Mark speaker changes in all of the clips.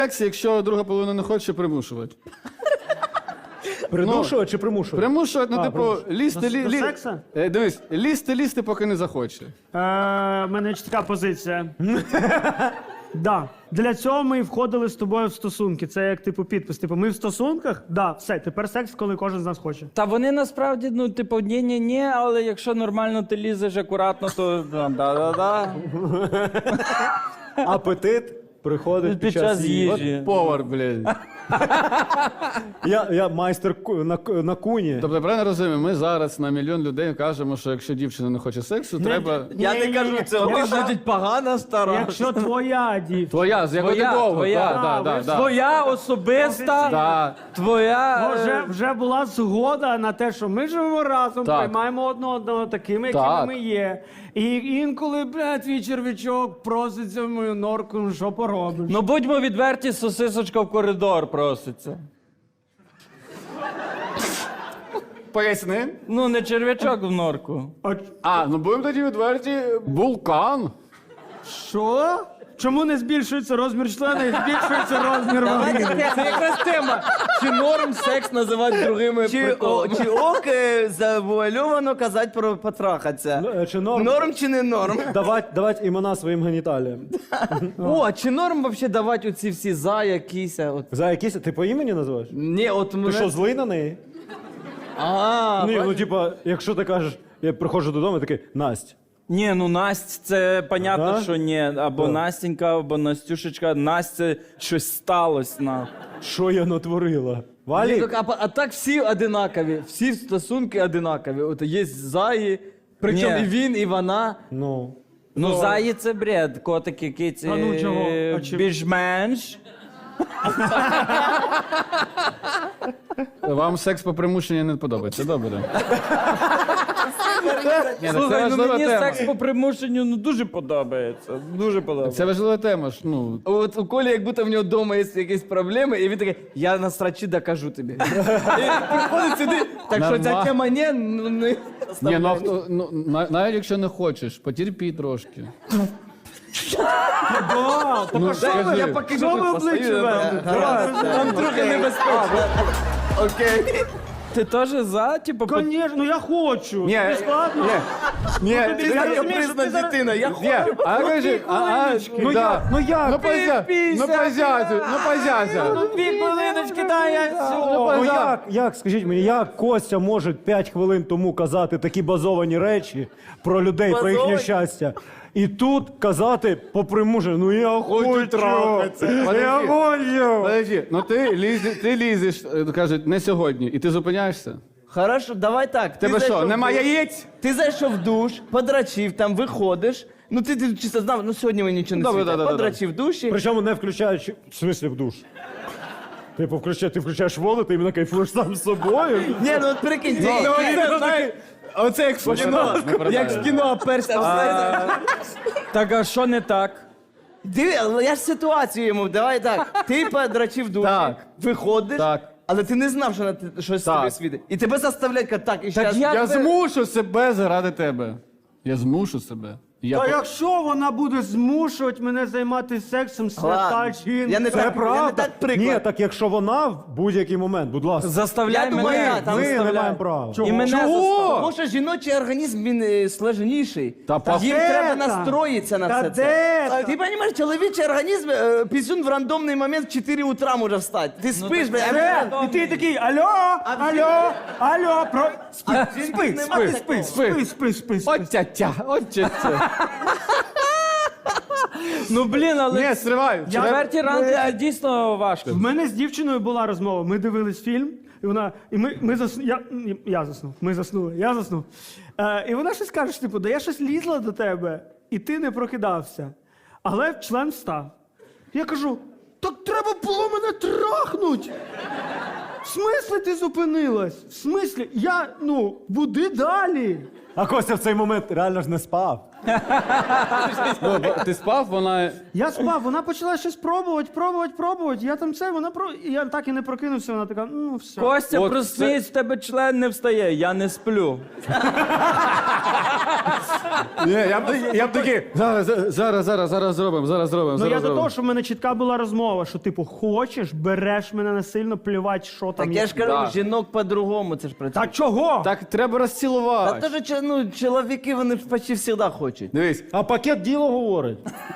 Speaker 1: секс, якщо друга половина не хоче, примушувати.
Speaker 2: Придушувати чи примушувати?
Speaker 1: Примушувати, ну, типу, лізти,
Speaker 3: До секса?
Speaker 1: Дивись, лізти, поки не захоче.
Speaker 3: В мене чітка позиція. Да. Для цього ми і входили з тобою в стосунки. Це як типу підпис. Типу, ми в стосунках, да, все, тепер секс, коли кожен з нас хоче.
Speaker 4: Та вони насправді, ну, типу, ні, але якщо нормально ти лізеш акуратно, то да.
Speaker 2: Апетит приходить
Speaker 4: Під час їжі.
Speaker 1: Повар, блядь.
Speaker 2: Я майстер на куні.
Speaker 1: Тобто, я правильно розумію, ми зараз на мільйон людей кажемо, що якщо дівчина не хоче сексу, треба...
Speaker 5: Я не кажу цього, ти значить погана стара.
Speaker 3: Якщо твоя дівчина.
Speaker 1: Твоя, з якого ти довго.
Speaker 4: твоя.
Speaker 1: Да.
Speaker 4: Твоя особиста,
Speaker 1: Да.
Speaker 4: твоя...
Speaker 3: Вже була згода на те, що ми живемо разом,
Speaker 1: Так.
Speaker 3: приймаємо одного такими, якими
Speaker 1: Так.
Speaker 3: ми є. І інколи, блядь, твій червячок проситься в мою норку, ну що поробиш?
Speaker 4: Ну, будьмо відверті, сосисочка в коридор проситься.
Speaker 1: Поясни.
Speaker 4: Ну, не червячок в норку.
Speaker 1: Ну будемо тоді відверті. Вулкан.
Speaker 3: Що? Чому не збільшується розмір члена і збільшується розмір вагини?
Speaker 5: Це якраз тема. Чи норм секс називати другими приколами? Чи ок завуальовано казати про потрахатися?
Speaker 2: Чи норм?
Speaker 5: Норм чи не норм?
Speaker 2: Давать імена своїм геніталіям.
Speaker 5: О, чи норм вообще давати оці всі за якісь? От.
Speaker 2: За якісь... Ти по імені називаєш?
Speaker 5: Ні, от
Speaker 2: Ти
Speaker 5: мене...
Speaker 2: що, злий на неї? Ні, ну типа, якщо ти кажеш, я приходжу додому і такий, Насть.
Speaker 4: Ні, ну Насть, це понятно,
Speaker 2: Да?
Speaker 4: що ні. Або Настенька, або Настюшечка. Насть, це щось сталося на.
Speaker 2: Що я натворила?
Speaker 5: Ні,
Speaker 2: Валі?
Speaker 5: так, а так всі одинакові, всі стосунки одинакові. От є заї, причому
Speaker 4: Ні.
Speaker 5: і він, і вона.
Speaker 2: Ну.
Speaker 4: Ну, заї це бред, котики, киці,
Speaker 3: А ну, чого? А чи-
Speaker 4: більш-менш.
Speaker 1: Вам секс по примушенню не подобається, добре. Ні, так це
Speaker 4: Слухай, ну
Speaker 1: важлива
Speaker 4: мені
Speaker 1: тема.
Speaker 4: секс по примушенню ну, дуже подобається. Дуже подобається.
Speaker 1: Це важлива тема ж, ну.
Speaker 5: От у Колі, як будто в нього вдома є якісь проблеми, і він такий, я на срачі докажу тобі. І приходить сюди, так що ця
Speaker 1: Нормально.
Speaker 5: тема не, ну не
Speaker 1: Ні,
Speaker 5: оставляй.
Speaker 1: навіть якщо не хочеш, потерпі трошки.
Speaker 3: Ну,
Speaker 1: скажи.
Speaker 5: Я поки
Speaker 3: Що ви обличчя ведете?
Speaker 5: Там трохи небезпечно. Окей.
Speaker 4: Ти теж за, типу,
Speaker 3: Конечно, ну я хочу.
Speaker 1: Ні,
Speaker 3: Тобі складно?
Speaker 1: Ні,
Speaker 5: Ти як капризна дитина, я
Speaker 1: Ні, а кажи,
Speaker 3: Ну як?
Speaker 1: ну позяся.
Speaker 3: Дві хвилиночки, дай я цього.
Speaker 2: Ну як, скажіть мені, як Костя може 5 хвилин тому казати такі базовані речі про людей, про їхнє
Speaker 5: Базовані?
Speaker 2: щастя, і тут казати по примушенню, ну я хочу трахатися, я хочу.
Speaker 1: Подожди, ну ти лізеш, кажуть, не сьогодні, і ти зупиняєшся?
Speaker 5: Хорошо, давай так.
Speaker 1: Тебе що, нема яєць?
Speaker 5: Ти зайшов в душ, подрачив, там виходиш. Ну ти чисто знав, ну сьогодні мені нічого не
Speaker 1: Добре,
Speaker 5: світить.
Speaker 1: да-да-да.
Speaker 5: Подрачив в душі.
Speaker 2: Причому не включаючи, в смислі в душ. Типу, ти включаєш воду, ти іменно кайфуєш сам з собою.
Speaker 5: Ні, ну от прикинь, ти знаєш,
Speaker 1: Оце як в кіно.
Speaker 5: як в кіно перся.
Speaker 4: так а що не так?
Speaker 5: Диви, але я ж ситуацію йому, давай так. Ти подрачив в душі,
Speaker 1: Так.
Speaker 5: виходиш,
Speaker 1: Так.
Speaker 5: але ти не знав, що щось
Speaker 1: Так.
Speaker 5: тобі світить. І тебе заставляють, казати, так, і зараз.
Speaker 4: як
Speaker 1: Я
Speaker 4: ви-
Speaker 1: змушу себе заради тебе. Я змушу себе.
Speaker 3: Та якщо вона буде змушувати мене займатися сексом, свята
Speaker 5: Ладно.
Speaker 3: жінка.
Speaker 5: Я не
Speaker 2: Це
Speaker 5: так, я не
Speaker 2: правда.
Speaker 5: так приклад.
Speaker 2: Ні, так якщо вона в будь-який момент, будь ласка.
Speaker 4: Заставляй
Speaker 5: Я думаю,
Speaker 4: мене.
Speaker 5: я там
Speaker 2: Ми не
Speaker 5: заставляю.
Speaker 2: маємо права.
Speaker 4: І мене
Speaker 5: Тому що жіночий організм, він сложніший.
Speaker 1: Та
Speaker 5: Їм
Speaker 3: де
Speaker 5: треба
Speaker 3: там?
Speaker 5: настроїтися на
Speaker 3: Та
Speaker 5: все
Speaker 3: де
Speaker 5: це.
Speaker 3: там?
Speaker 5: Ти розумієш, чоловічий організм, пісюн в рандомний момент в 4 утра може встати. Ти спиш,
Speaker 4: так
Speaker 5: бля,
Speaker 3: І ти такий, алло, спи, спи.
Speaker 1: От тя-тя, от тя-тя.
Speaker 4: Ну, блін, але
Speaker 1: Ні, стривай.
Speaker 4: четверті ранки це дійсно важко.
Speaker 3: В мене з дівчиною була розмова. Ми дивились фільм, і вона. І ми заснули. Я заснув. Ми заснули. Я заснув. І вона щось каже, типу, да я щось лізла до тебе, і ти не прокидався. Але член встав. Я кажу: так треба було мене трахнуть. В смислі ти зупинилась? В смислі? Буди далі.
Speaker 2: А Костя в цей момент реально ж не спав.
Speaker 1: Ну, ти спав, вона.
Speaker 3: Я спав, вона почала щось пробувати. Я там це, я так і не прокинувся, вона така, ну все.
Speaker 4: Костя,
Speaker 1: От
Speaker 4: проснись, в тебе член не встає, я не сплю.
Speaker 1: Ні, я б такий. Зараз зробимо.
Speaker 3: Ну я до того, що в мене чітка була розмова, що типу, хочеш, береш мене насильно, плювати, що там
Speaker 5: Так
Speaker 3: є.
Speaker 5: я ж кажу,
Speaker 1: Да.
Speaker 5: жінок по-другому це ж працює.
Speaker 3: Та чого?
Speaker 1: Так треба
Speaker 5: Та
Speaker 1: розцілувати.
Speaker 5: теж чоловіки, вони ж почти завжди хочуть.
Speaker 1: Дивись,
Speaker 2: А пакет діло говорить.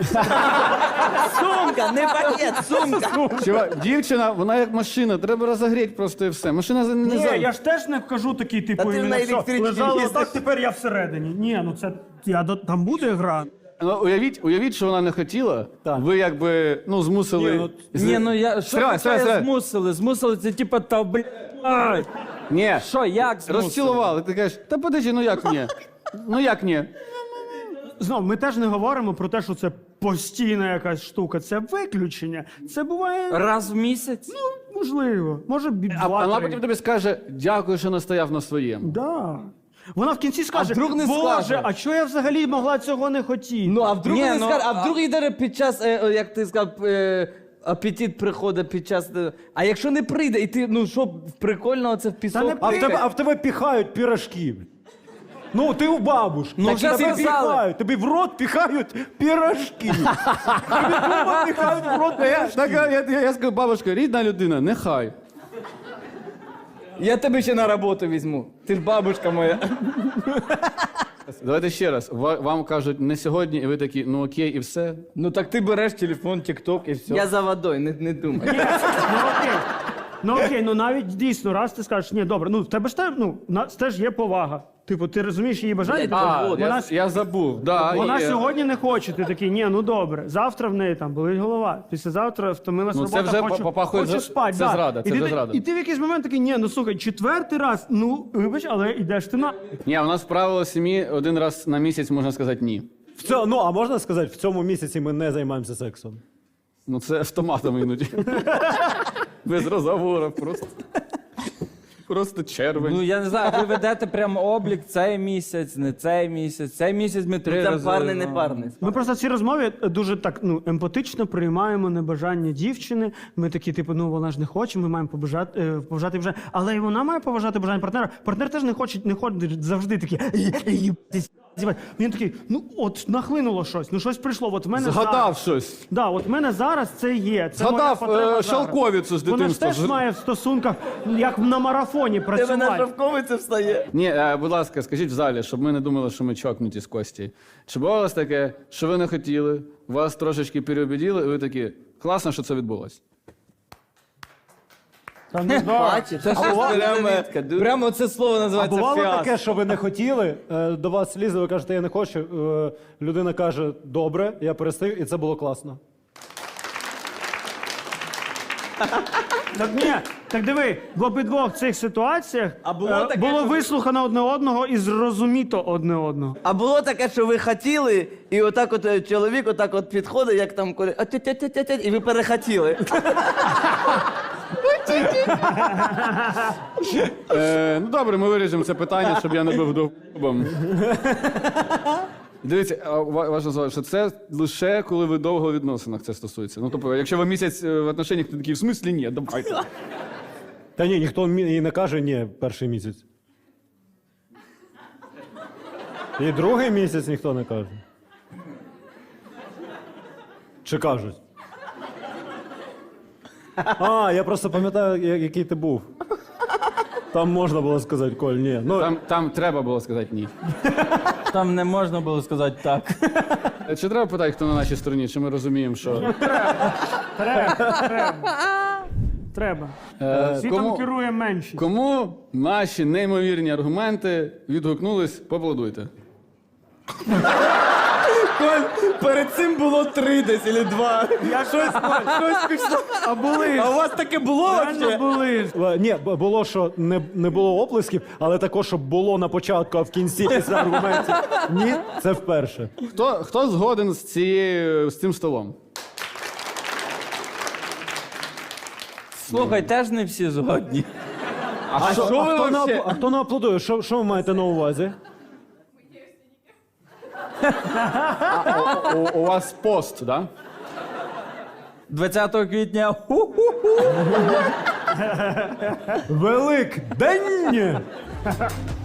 Speaker 5: Сумка, не пакет, сумка.
Speaker 1: чувак, дівчина, вона як машина, треба розогріти просто і все. Машина не
Speaker 3: Ні,
Speaker 1: за.
Speaker 3: я ж теж не кажу такий, типу,
Speaker 5: Та ти
Speaker 3: іменно
Speaker 5: на
Speaker 3: все,
Speaker 5: електричці
Speaker 3: лежала
Speaker 5: їздиш.
Speaker 3: так, тепер я всередині. Ні, ну це, там буде гра.
Speaker 1: Ну, уявіть, що вона не хотіла.
Speaker 2: Так.
Speaker 1: Ви якби, змусили.
Speaker 2: Ні,
Speaker 4: Ні, ну я що
Speaker 1: Стривай,
Speaker 4: таке
Speaker 1: стривай.
Speaker 4: змусили? Змусили це типа та блядь.
Speaker 1: Ні,
Speaker 4: Що, як змусили?
Speaker 1: розцілували. Ти кажеш, та подожди, ну як ні? Ну як ні?
Speaker 3: Знов, ми теж не говоримо про те, що це постійна якась штука. Це виключення. Це буває,
Speaker 4: Раз в місяць?
Speaker 3: можливо. Може,
Speaker 1: А вона
Speaker 3: два-три.
Speaker 1: потім тобі скаже, дякую, що настояв на своєму.
Speaker 3: Да. Вона в кінці скаже,
Speaker 5: вдруг не
Speaker 3: Боже,
Speaker 5: скаже?
Speaker 3: а чого я взагалі могла цього не хотіти?
Speaker 5: Ну, а вдруг
Speaker 4: Ні,
Speaker 5: не
Speaker 4: ну,
Speaker 5: скаже, а вдруг йде під час, як ти сказав, апетит приходить під час. А якщо не прийде, і ти, ну що, прикольного це в пісок?
Speaker 3: не
Speaker 2: А в тебе піхають пірожки. Ну, ти у бабушки.
Speaker 4: Ну,
Speaker 2: Так
Speaker 4: вже
Speaker 2: тобі
Speaker 4: сказали.
Speaker 2: піхають, тобі в рот піхають пірожки. Тобі вдома піхають в рот пірожки.
Speaker 1: Так, я скажу, бабушка, рідна людина, нехай.
Speaker 5: Я тебе ще на роботу візьму. Ти ж бабушка моя.
Speaker 1: Давайте ще раз. Вам кажуть, не сьогодні, і ви такі, ну окей, і все.
Speaker 4: Ну так ти береш телефон, тік-ток і все.
Speaker 5: Я за водою, не думай.
Speaker 3: Ну окей, ну навіть дійсно, раз ти скажеш, ні, добре, ну в тебе ж теж є повага. Типу, ти розумієш її бажання?
Speaker 1: А,
Speaker 3: вона
Speaker 1: я забув. Да,
Speaker 3: вона
Speaker 1: є.
Speaker 3: сьогодні не хоче. Ти такий, ні, ну добре. Завтра в неї там болить голова. Післязавтра втомилась
Speaker 1: Ну, це
Speaker 3: робота,
Speaker 1: вже
Speaker 3: хочу,
Speaker 1: попахує
Speaker 3: хочу
Speaker 1: за-
Speaker 3: спати.
Speaker 1: це зрада, це
Speaker 3: і, ти,
Speaker 1: вже зрада.
Speaker 3: і ти в якийсь момент такий, ні, ну слухай, четвертий раз, ну вибач, але йдеш ти на.
Speaker 1: Ні, у нас правило сім'ї один раз на місяць можна сказати ні.
Speaker 2: Ну, а можна сказати, в цьому місяці ми не займаємося сексом.
Speaker 1: Ну це автоматом іноді. Без розговору, просто. Просто червень.
Speaker 4: Ну я не знаю, ви ведете прямо облік цей місяць, не цей місяць. Цей місяць ми 3
Speaker 5: Там
Speaker 4: рази.
Speaker 5: парний, не парний.
Speaker 3: Ми просто в цій розмові дуже так емпатично приймаємо небажання дівчини. Ми такі, типу, ну вона ж не хоче, ми маємо поважати бажання. Але і вона має поважати бажання партнера. Партнер теж не ходить завжди такий. Він такий, ну от нахлинуло щось, ну щось прийшло. От в мене
Speaker 1: Згадав
Speaker 3: зараз.
Speaker 1: щось.
Speaker 3: Да, от в мене зараз це є. Це
Speaker 1: Згадав,
Speaker 3: моя потреба зараз.
Speaker 1: шовковицю з
Speaker 3: Вона ж
Speaker 1: дитинства.
Speaker 3: теж має в стосунках, як на марафоні
Speaker 5: Тебе на
Speaker 3: працювати.
Speaker 5: шовковицю встає.
Speaker 1: Ні, будь ласка, скажіть в залі, щоб ми не думали, що ми чокнуті з Кості. Чи було у вас таке, що ви не хотіли, вас трошечки переубедили, і ви такі, класно, що це відбулось?
Speaker 5: Бачиш, це прямо це слово
Speaker 2: А
Speaker 5: називається
Speaker 2: бувало
Speaker 5: фіаско.
Speaker 2: таке, що ви не хотіли, до вас лізли, ви кажете, я не хочу. Людина каже, добре, я перестаю, і це було класно.
Speaker 3: Так ні, так диви, в обидвох цих ситуаціях
Speaker 5: А було таке,
Speaker 3: було
Speaker 5: що-
Speaker 3: вислухано одне одного і зрозуміто одне одного.
Speaker 5: А було таке, що ви хотіли, і отак от чоловік отак от підходить, як там коли, і ви перехотіли.
Speaker 1: Ну добре, ми вирішимо це питання, щоб я не був довбом. Дивіться, важливо сказати, що це лише коли ви довго в відносинах це стосується. Ну, тобто, якщо ви місяць в отношеннях, то такі, в смислі ні, давайте.
Speaker 2: Та ні, ніхто і не каже ні перший місяць. І другий місяць ніхто не каже. Чи кажуть? А, я просто пам'ятаю, який ти був. Там можна було сказати, Коль, ні. Ну,
Speaker 1: Там треба було сказати ні.
Speaker 4: Там не можна було сказати так.
Speaker 1: Чи треба питати, хто на нашій стороні, чи ми розуміємо, що...
Speaker 3: Треба. Світом
Speaker 1: Кому,
Speaker 3: керує меншість.
Speaker 1: кому наші неймовірні аргументи відгукнулись, поаплодуйте.
Speaker 5: Перед цим було 3 десь, або 2.
Speaker 3: Я щось пішло. А були.
Speaker 5: А у вас таке було
Speaker 3: Реально були.
Speaker 2: ні, було, що не було оплесків, але також, щоб було на початку, а в кінці після аргументів. Ні, це вперше.
Speaker 1: Хто згоден з цим столом?
Speaker 4: Слухай, теж не всі згодні.
Speaker 2: А хто не аплодує? Що ви маєте на увазі?
Speaker 1: У вас пост, да?
Speaker 4: 20 квітня. Ху-ху-ху.
Speaker 2: Великдень!